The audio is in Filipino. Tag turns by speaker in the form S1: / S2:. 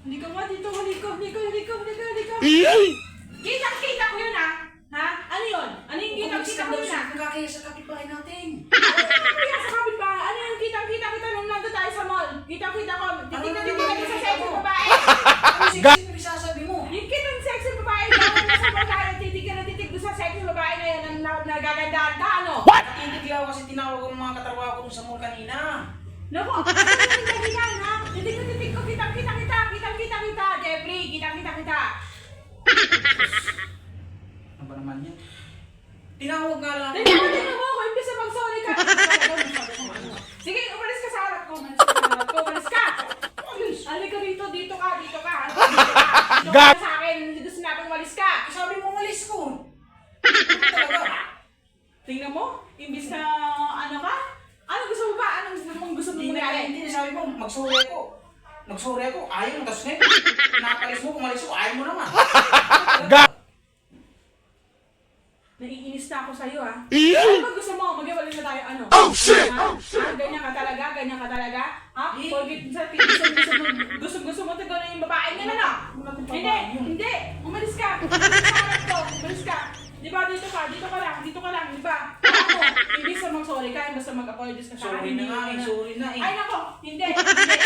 S1: Hindi ka nga dito, halika. Kita ko yun, ha? Ha? Ano yun? Ano yung kita ko yun, ha?
S2: Nakakaya sa kapitbahay natin.
S1: Kaya sa kapitbahay, ano yung kita nung nandun tayo sa mall? Kita ko. Titignan ko sa sexy babae.
S2: Ano yung sasabi mo?
S1: Yung kitang sexy babae, gano'n na sa mall tayo, titig sa sexy babae na yun, ang nagagandaan ka, ano?
S2: Natitig lang ako kasi tinawag ko ng mga katrabaho ko sa mall kanina.
S1: Naku, ano yung dahilan, ha? Titig ko, kita, Jeffrey, kita.
S2: Ano ba naman yan? Tinawag nga lang.
S1: Tingnan mo ako, imbis na mag-sorry ka. Sige, umalis ka sa harap ko. Umalis ka. Halika rito, dito ka. Dito ka sa akin, dito sinabing umalis ka.
S2: Sabi mo umalis ko.
S1: Tingnan mo, imbis na ano ka? Ano gusto mo ba? Anong gusto mo mangyari?
S2: Hindi, sabi mo, magsorry ako. Ayaw mo, tapos ngayon, nakapalis mo, kumalis ko, ayaw mo naman.
S1: Naiinis na ako sa'yo, ha? Ano ba gusto mo? Mag-iwalay na tayo, ano? Oh, shit! Ha? Ganyan ka talaga? Ha? Forget sa gusto mo tignan yung babae niya na, no? Hindi! Umalis ka! Umalis ka! Di ba, dito ka lang, di ba? Ako, hindi sa mag-sorry ka, basta mag-apologize ka sa akin.
S2: Sorry na nga, sorry na eh.
S1: Ay, nako! Hindi!